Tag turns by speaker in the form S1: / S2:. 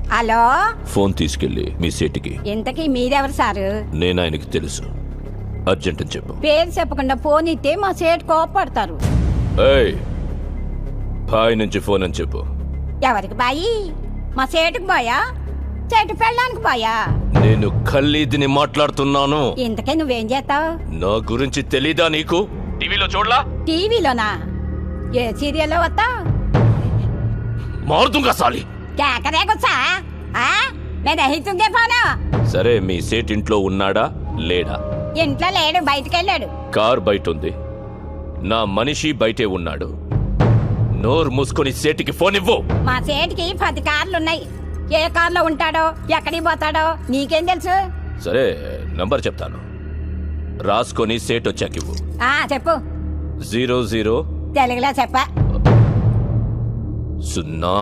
S1: Hello,
S2: phone తీసుకెళ్ళి మీ సేటికి.
S1: ఇంతకీ మీరెవరు సారు?
S2: నేను ఆయనకి తెలుసు. అర్జెంట్ అని చెప్పు.
S1: పేరు చెప్పకుండా ఫోన్ ఇస్తే మా సేటు కోపడతారు.
S2: ఏయ్, బాయ్ నుంచి ఫోన్ అని చెప్పు.
S1: ఎవరికి బాయి? మా సేటుకు బాయా, చెట్టు పెళ్ళడానికి బాయా?
S2: నేను ఖల్లీదిని మాట్లాడుతున్నాను.
S1: ఇంతకే నువ్వేం చేస్తావు?
S2: నా గురించి తెలీదా నీకు? టీవీలో చూడలా?
S1: టీవీలోనా? ఏ సీరియల్లో వస్తావు?
S2: మారుతుంగా సాలి.
S1: కేకరే గుచ్చా? నేను అహితుంగే ఫోను.
S2: సరే, మీ సేట్ ఇంట్లో ఉన్నాడా లేడా?
S1: ఇంట్లో లేడు, బయటకెళ్ళాడు.
S2: కార్ బయట ఉంది, నా మనిషి బయటే ఉన్నాడు. నోరు మూసుకొని సేటికి ఫోన్ ఇవ్వు.
S1: మా సేటికి 10 కార్లున్నాయి. ఏ కార్లో ఉంటాడో, ఎక్కడికి పోతాడో నీకేం తెలుసు?
S2: సరే, నంబర్ చెప్తాను, రాసుకొని సేట్ వచ్చాకివ్వు.
S1: చెప్పు.
S2: 00
S1: తెలుగులో చెప్ప.
S2: 0